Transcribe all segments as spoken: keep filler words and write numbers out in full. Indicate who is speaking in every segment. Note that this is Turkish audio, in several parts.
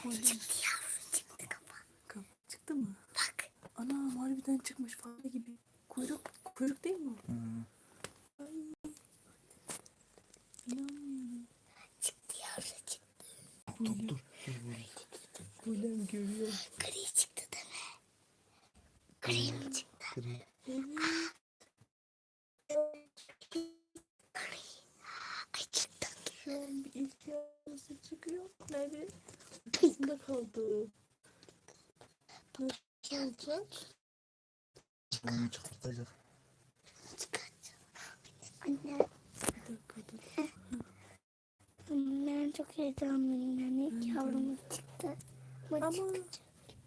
Speaker 1: Çıktı yavrum, çıktı kafa.
Speaker 2: Kafa çıktı mı?
Speaker 1: Bak.
Speaker 2: Ana harbiden çıkmış fare gibi. Kuyruk, kuyruk değil mi?
Speaker 3: Hı.
Speaker 2: Ay. İnanmıyorum.
Speaker 1: Çıktı yavrum, çıktı.
Speaker 3: Dur dur dur.
Speaker 2: Bulem görüyor.
Speaker 1: Gri çıktı değil mi? Gri mi çıktı?
Speaker 3: Gri.
Speaker 2: Evet.
Speaker 1: Gri. Ay çıktı.
Speaker 2: Şu an bir ilk yavrusu çıkıyor. Nerede? Arkasında kaldı. Nasıl olacak?
Speaker 3: Onu çıkartacak.
Speaker 1: Çıkartacağım. Anne.
Speaker 2: Bir dakika dur.
Speaker 1: Ben çok heyecanlıyım. Yani ilk yavrumuz çıktı. Ama
Speaker 2: Ama-
Speaker 1: çıkacak.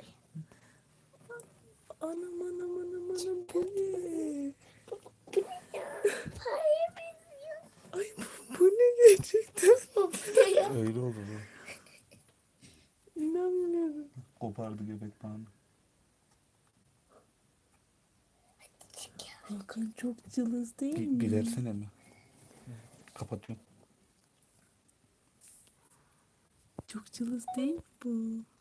Speaker 2: Anam anam anam anam bu ne?
Speaker 1: Bu ne ya? Fare benziyor.
Speaker 2: Ay bu, bu ne gerçekten?
Speaker 1: Bu ne ya?
Speaker 3: Öyle oldu bu.
Speaker 2: İnanmıyorum.
Speaker 3: Kopardı göbek bağını.
Speaker 2: Hakan çok cılız değil
Speaker 3: Bir,
Speaker 2: mi?
Speaker 3: bilersene mi? Kapatıyorum.
Speaker 2: Çok cılız değil mi bu?